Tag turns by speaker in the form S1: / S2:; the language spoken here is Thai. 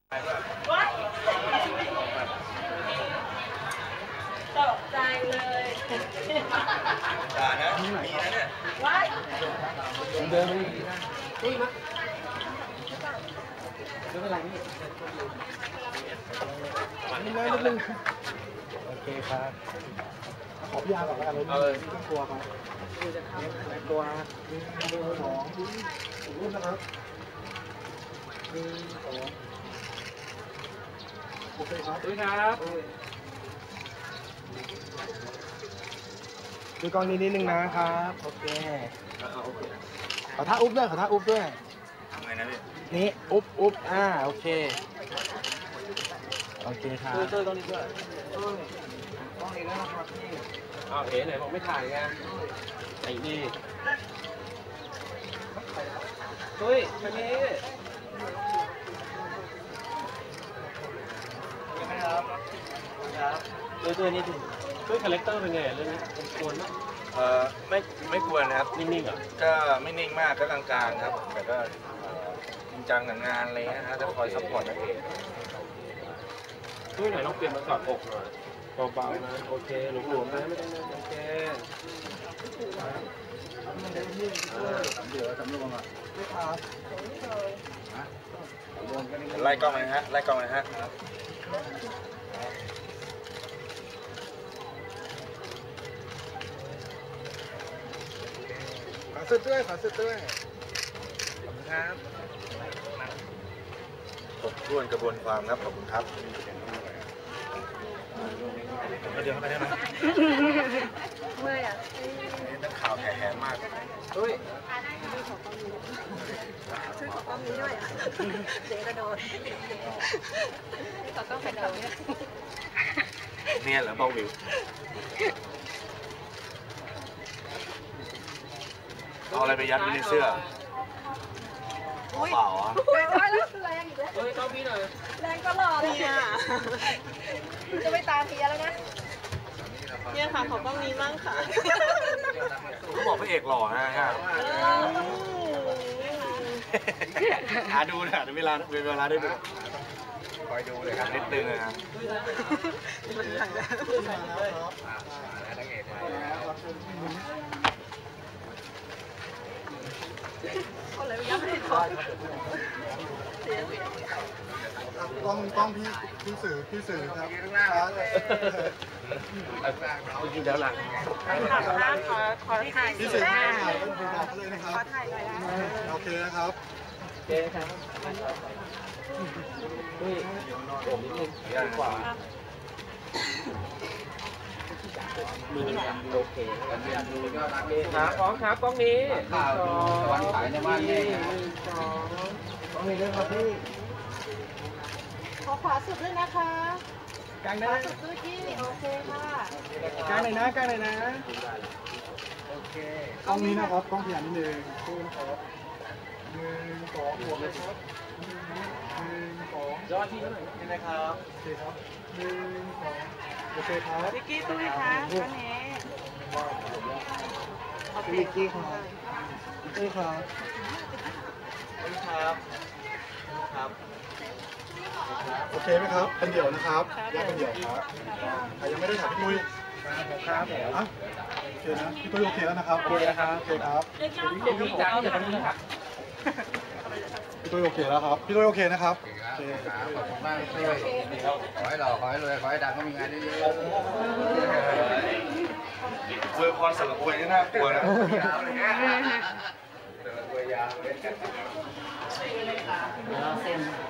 S1: ตกใจเลย
S2: ด่านะมีนะเนี่ย
S1: ว้าย
S3: เดินไปนี่มั้ยเดินไปไหนนี่นิดนึงโอเคครับขอพี่ยาก่อนแล้วกันเลยไม่ต้องกลัวครับไม่กลัวสองรูปนะครับสองโอเคครับด้วยครับดูกล้องนี้นิดนึงนะครับโอเคขอท่าอุ๊บด้วยขอท่าอุ๊บด้วย
S2: ทำไงนะพี่
S3: นี่อุ๊บโอเคโอเคครับช่วยตรงนี้ด้วยกล้องนี้แล้วนะครับนี่เอ๋ไหนบอกไม่ถ่ายไงไอ้นี่เฮ้ยคันนี้ยังไงครับตัวนี้ด้วยคาแรคเตอร์เป็นไงเรื่องนี้กวนมั้ย
S2: ไม่ควรนะครับ
S3: นิ่งๆเหรอ
S2: ก็ไม่นิ่งมากก็กลางๆครับแต่ก็จริงจังกับงานอะไรนะฮะจะคอยซัพพอร์ตนักเอก
S3: ด้วยไหนลองเปลี่ยนมาสอดอกหน่อยเบาๆนะโอเคหลวมๆนะไม่ต้องโอเคเดี๋ยวจำลงอ่ะไม่ครับ
S2: ไล่กล้องนะฮะไล่กล้องนะฮะ
S3: ขอสุดด้วยขอบคุณครับ
S2: ครบถ้วนกระบวนความครับขอบคุณครับเดี๋ยวเข้าไปได้ไหม
S1: เมื่อยอ่ะ
S2: นักข่าวแห่มาก
S3: เฮ้ย
S1: ช่วยขอกล้องนี้ด้วยอ่ะเจ๊กระโดดขอกล้องกระโดด
S2: เนี่ยเหรอเบาวิวเอาอะไรไปยัดไว้ในเสื้อเปล่าอ่ะ
S1: แรงแล้วแรงอีกแล้ว
S3: เฮ้ยเข้าพี่หน่อย
S1: แรงตลอดเลยอ่ะจะไม่ตามเพียแล้วนะ
S4: เนี่ยค่ะขอกล้องนี้มั่งค่ะ
S2: เขาบอกพระเอกหล่อนะฮะดูนะเวลาได้ดูคอยดูเลยครับนิดนึงนะครับนักเอกมาแล้ว
S1: อะไรไม่ยังไม่ได้ถอด
S3: กล้องพี่สื่อครับกินแล้วหลัง
S4: ขอถ่าย
S3: พี่สื่อถ่ายต้องคุยกันเลยนะครับ
S4: ขอถ่ายหน่อยนะ
S3: โอเคนะครับโอเคครับนี่ผมนิดนึงดีกว่ามือโอเคครับพร้อมครับกล้องนี้วันขายในบ้านนี่กล้องนี้ด้วยครับพี่
S1: ขอขวาสุดด้วยนะคะ
S3: กลาง
S1: ข
S3: ได้
S1: วาสุดด้วยที่โอเคค่ะ
S3: กลางเลยนะโอเคกล้องนี้นะครับกล้องขยันนิดนึงครับ1 2หัวเลยครับ1 2ยอดที่เท่าไหร่นะครับโอเคครับ1 2โอเคครับ
S4: วิกกี้ตุ้ยค่ะท่านนี้
S3: วิกกี้ครับนี่ครับครับโอเคไหมครับเป็นเดี่ยวนะครับแยกเป็นเดี่ยวครับใครยังไม่ได้ถามพี่ตุ้ยครับโอเคนะพี่ตุ้ยโอเคแล้วนะครับโอเคครับโอเคครับพี่จ้าอย่าทำนี้ครับพี่ตุ้ยโอเคแล้วครับพี่ตุ้ยโอเคนะครับโอเค
S5: ครับขอบคุณมากพี่ตุ้ยขอให้หล่อขอให้รวยขอให้ดังก็มีงานเยอะๆ
S2: อวยพรสำหรับอวยนี่น่ากลัวนะยาวเลยฮะอวยยาวเลย